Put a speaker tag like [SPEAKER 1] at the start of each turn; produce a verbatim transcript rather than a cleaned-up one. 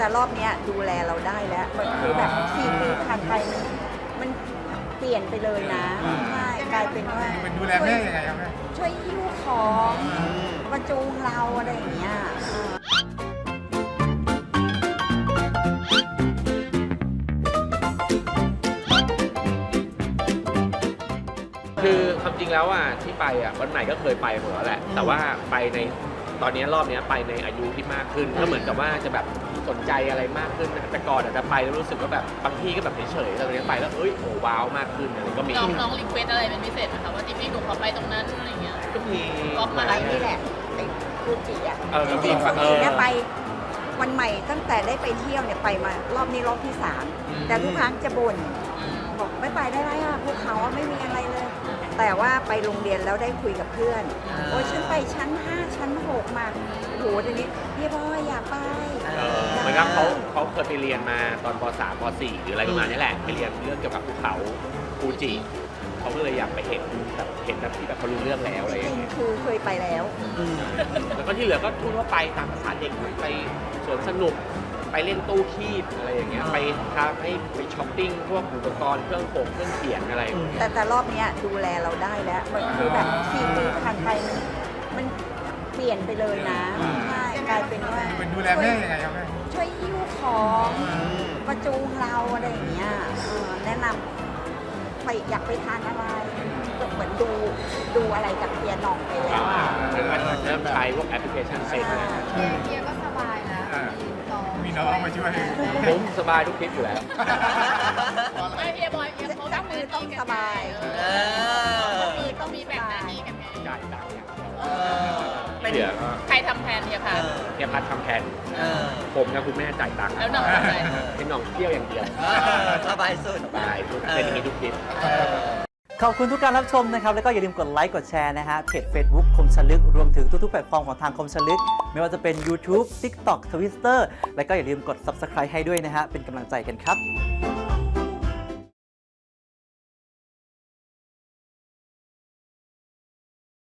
[SPEAKER 1] แต่รอบเนี้ยดูแลเราได้แล้วมันคือแบบสี่ปีผ่านไปมันมันเปลี่ยนไปเลยนะใช่กลายเป็นว่า
[SPEAKER 2] มันดูแลแม่ยังไงครับแม่
[SPEAKER 1] ช่วยหิ้วของประจูงเราอะไรอย่างเงี้ย
[SPEAKER 3] คือความจริงแล้วอ่ะที่ไปอ่ะวันใหม่ก็เคยไปหมดแล้วแหละแต่ว่าไปในตอนนี้รอบนี้ไปในอายุที่มากขึ้นก็เหมือนกับว่าจะแบบสนใจอะไรมากขึ้นแต่ก่อนอาจจะไปแล้วรู้สึกว่าแบบบางที่ก็แบบเฉยๆแต่ตอนนี้ไปแล้วเอ้ยโอ้ว้าวมากขึ้นอะไรก็มี
[SPEAKER 4] น้องน้องรีเควสอะไรเป็นพิเศษไหมคะว่าที่พี่หนูขอไปตรงนั้นอะไรเงี้ย
[SPEAKER 3] ก็มี
[SPEAKER 4] ก็มา
[SPEAKER 1] ไปนี่แหละไอ้ฟูจิอ่ะ
[SPEAKER 3] เออ
[SPEAKER 1] จ
[SPEAKER 3] ก็มี
[SPEAKER 1] ริงๆฟู
[SPEAKER 3] เอ
[SPEAKER 1] จิ
[SPEAKER 3] อ
[SPEAKER 1] เนี่ยไปวันใหม่ตั้งแต่ได้ไปเที่ยวเนี่ยไปมารอบนี้รอบที่สามแต่ทุกครั้งจะบ่นบอกไม่ไปได้ไรอ่ะภูเขาอะไม่มีอะไรเลย แต่ว่าไปโรงเรียนแล้วได้คุยกับเพื่อนโอ้ยฉันไปชั้นห้าชั้นหกมาโอ้โหทีนี้พี่พ่ออยากไป
[SPEAKER 3] เออเหมือนกับเขาเขาเคยไปเรียนมาตอนป .สาม ป .สี่ หรืออะไรประมาณนี้แหละไปเรียนเรื่องเกี่ยวกับภูเขาฟูจิเขาก็เลยอยากไปเห็นแบบเห็นแบบที่แบบเขารู้เรื่องแล้วอะไร
[SPEAKER 1] จ
[SPEAKER 3] อ
[SPEAKER 1] ริ
[SPEAKER 3] ย่าง งเงี้ย
[SPEAKER 1] ๆคือเคยไปแล้ว
[SPEAKER 3] แล้วก็ที่เหลือก็ทั่วๆไปตามภาษาเด็กไปสวนสนุกไปเล่นตู้คีบอะไรอย่างเงี้ยไปทำให้ไปช้อปปิ้งพวกอุปกรณ์เครื่องโขงเครื่องเขียนอะไรอย่างเงี้ย
[SPEAKER 1] แต่แต่รอบเนี้ยดูแลเราได้แล้วมันคือแบบสี่ปีผ่านไปมันมันเปลี่ยนไปเลยนะใช่กลายเป็นว่า
[SPEAKER 2] มันดูแลแม่ยังไงครับแม่
[SPEAKER 1] ช่วยหิ้วของประจูงเราอะไรอย่างเงี้ยเออแนะนำไปอยากไปทานอะไรก็เหมือนดูดูอะไรจากเพียนองไปแล้วอ่ะ
[SPEAKER 3] เริ่มใช้พวกแอปพลิเคชันเซ็ตนะ
[SPEAKER 4] เฮียก็สบายแล้ว
[SPEAKER 2] อ่า
[SPEAKER 4] มีน้อง
[SPEAKER 2] มีน้องมาช่วย
[SPEAKER 3] ผมสบายทุกทริปอยู่แล้ว
[SPEAKER 4] ไม่เฮียบอยเฮียเขา
[SPEAKER 1] เจ้ามือต้องสบาย
[SPEAKER 4] เออมือต้องมีแบ่งหน้าที่กันไง
[SPEAKER 3] จ่ายตังค์อย่างเดียว
[SPEAKER 5] เออเป็น
[SPEAKER 3] เหลือก็
[SPEAKER 4] ใครทำแทนเฮีย
[SPEAKER 5] เอ
[SPEAKER 4] คะ
[SPEAKER 5] อ
[SPEAKER 3] เฮียพัดทำแทน
[SPEAKER 5] เออ
[SPEAKER 3] ผมกับคุณแม่จ่ายตังค์
[SPEAKER 4] แล้วน้องทำอะไร
[SPEAKER 3] เป็นน้องเที่ยวอย่างเดียว
[SPEAKER 5] เออสบายสุด
[SPEAKER 3] สบายทุกเป็นอย่างนี้ทุกทริป
[SPEAKER 5] เออ
[SPEAKER 6] ขอบคุณทุกการรับชมนะครับ แล้วก็อย่าลืมกดไลค์กดแชร์นะฮะเพจ Facebook คมชลึก รวมถึงทุกๆแพลตฟอร์มของทางคมชลึก ไม่ว่าจะเป็น YouTube TikTok Twitter แล้วก็อย่าลืมกด Subscribe ให้ด้วยนะฮะเป็นกำลังใจกันครับ